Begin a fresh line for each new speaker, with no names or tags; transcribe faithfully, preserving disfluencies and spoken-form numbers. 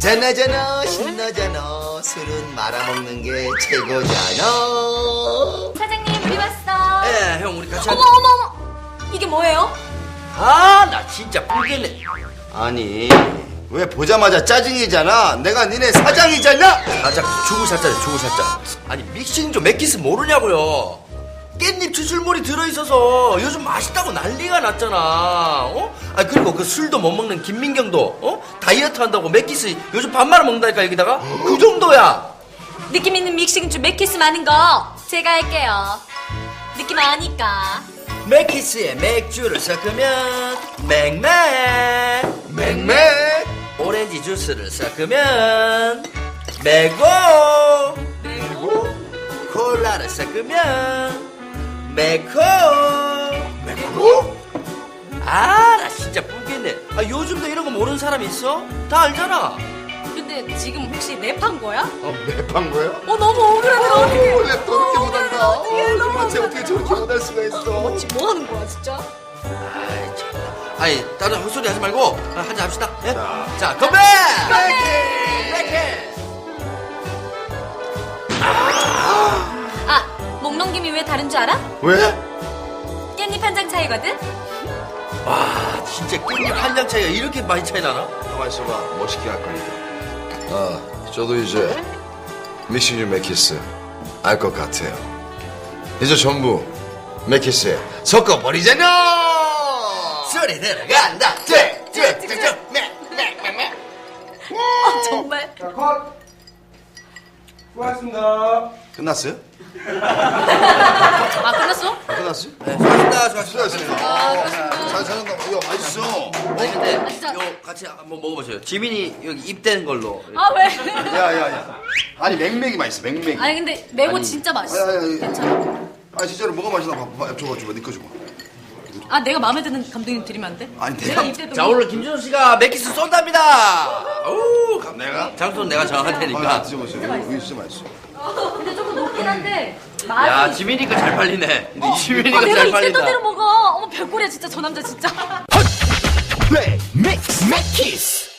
짠하잖아 신나잖아 술은 말아먹는 게 최고잖아.
사장님 우리 왔어.
예, 형 우리 같이.
어머 어머 어머. 이게 뭐예요?
아, 나 진짜 뿔겠네.
아니 왜 보자마자 짜증이잖아. 내가 니네 사장이잖아.
사장 죽을 사자네, 죽을 사자. 아니 믹싱 좀 맥기스 모르냐고요. 깻잎 추출물이 들어있어서 요즘 맛있다고 난리가 났잖아. 어? 아 그리고 그 술도 못 먹는 김민경도 어? 다이어트 한다고 맥기스 요즘 밥 말아 먹는다니까 여기다가 그 정도야.
느낌 있는 믹싱주 맥키스 많은 거 제가 할게요. 느낌 아니까.
맥키스에 맥주를 섞으면 맥맥
맹맹
오렌지 주스를 섞으면 매고
그리고
콜라를 섞으면 매코
매고
아 나 진짜 뿔겠네. 아 요즘도 이런 거 모르는 사람이 있어? 다 알잖아.
근데 지금 혹시 랩한 거야?
어, 랩한 거야?
어 너무 억울하네. 어떡해.
랩도 이렇게
어,
못한다.
어떡해,
어,
너무
마치 어떻게 저렇게 못할 수가 있어.
지금 뭐 하는 거야 진짜?
아이 참. 아니 다른 헛소리 하지 말고 한잔 합시다. 예?
자.
자 건배.
아, 목 넘김이 왜 다른 줄 알아?
왜?
깻잎 한 장 차이거든?
와 진짜 깻잎 한 장 차이가 이렇게 많이 차이 나나?
가만 있어봐. 멋있게 할 거니까.
아, 저도 이제 믹싱주 맥키스 알 것 같아요. 이제 전부 맥키스에 섞어버리잖아.
소리 들어간다.
아 정말.
자, 컷! 수고하셨습니다.
끝났어요?
아 끝났어?
아, 끝났어요?
네, 수고하셨습니다. 수고하셨습니다.
수고하셨습니다. 잘 사는다. 이거 맛있어.
아니 근데
진짜.
요 같이 한번 먹어보세요. 지민이 여기 입된 걸로.
아 왜?
야야야. 아니 맹맹이 맛있어. 맹맹이.
아니 근데 매고
아니,
진짜 맛있어.
아니, 아니, 아니.
괜찮아.
아 진짜로 뭐가 맛있나 봐. 봐, 줘봐 줘봐. 니꺼 줘봐.
아 내가 마음에 드는 감독님 드리면 안 돼?
아니,
내가
내가-
입대도
자 오늘 김준호 씨가 맥키스 쏜답니다. 오, 감-
내가?
장소는 내가 정할
아,
테니까.
드셔보세요. 이거, 이거 진짜 맛있어.
근데 조금 높긴 한데 맛이.
야 지민이가 잘 팔리네.
어,
지민이가
아, 내가
잘
입대던
팔린다.
대로 먹어. 어머 별꼴이야 진짜 저 남자 진짜.
플레이 믹스 맥키스.